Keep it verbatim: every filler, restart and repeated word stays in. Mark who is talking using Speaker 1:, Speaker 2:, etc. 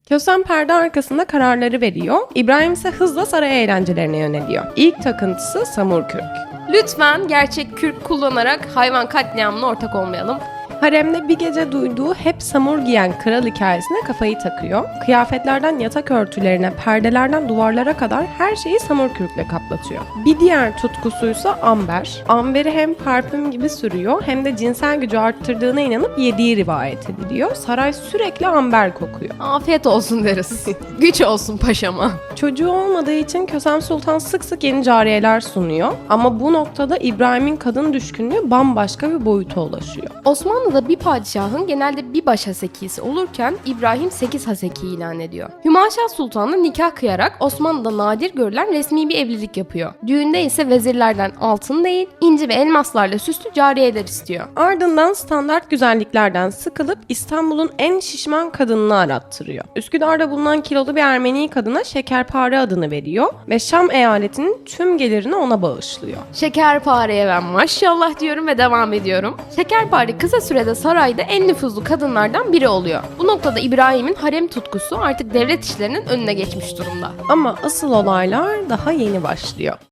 Speaker 1: Kösem perde arkasında kararları veriyor. İbrahim ise hızla saray eğlencelerine yöneliyor. İlk takıntısı samurkürk.
Speaker 2: Lütfen gerçek kürk kullanarak hayvan katliamına ortak olmayalım.
Speaker 1: Haremde bir gece duyduğu hep samur giyen kral hikayesine kafayı takıyor. Kıyafetlerden yatak örtülerine, perdelerden duvarlara kadar her şeyi samurkürkle kaplatıyor. Bir diğer tutkusuysa amber. Amberi hem parfüm gibi sürüyor hem de cinsel gücü arttırdığına inanıp yediği rivayet ediliyor. Saray sürekli amber kokuyor.
Speaker 2: Afiyet olsun deriz. Güç olsun paşama.
Speaker 1: Çocuğu olmadığı için Kösem Sultan sık sık yeni cariyeler sunuyor. Ama bu noktada İbrahim'in kadın düşkünlüğü bambaşka bir boyuta ulaşıyor.
Speaker 2: Osmanlı'da bir padişahın genelde bir baş hasekisi olurken İbrahim sekiz haseki ilan ediyor. Hümaşah Sultan'la nikah kıyarak Osmanlı'da nadir görülen resmi bir evlilik yapıyor. Düğünde ise vezirlerden altın değil, inci ve elmaslarla süslü cariyeler istiyor.
Speaker 1: Ardından standart güzelliklerden sıkılıp İstanbul'un en şişman kadınını arattırıyor. Üsküdar'da bulunan kilolu bir Ermeni kadına Şekerpare adını veriyor ve Şam eyaletinin tüm gelirini ona bağışlıyor.
Speaker 2: Şekerpareye ben maşallah diyorum ve devam ediyorum. Şekerpare kısa sürede sarayda en nüfuzlu kadınlardan biri oluyor. Bu noktada İbrahim'in harem tutkusu artık devlet işlerinin önüne geçmiş durumda.
Speaker 1: Ama asıl olaylar daha yeni başlıyor.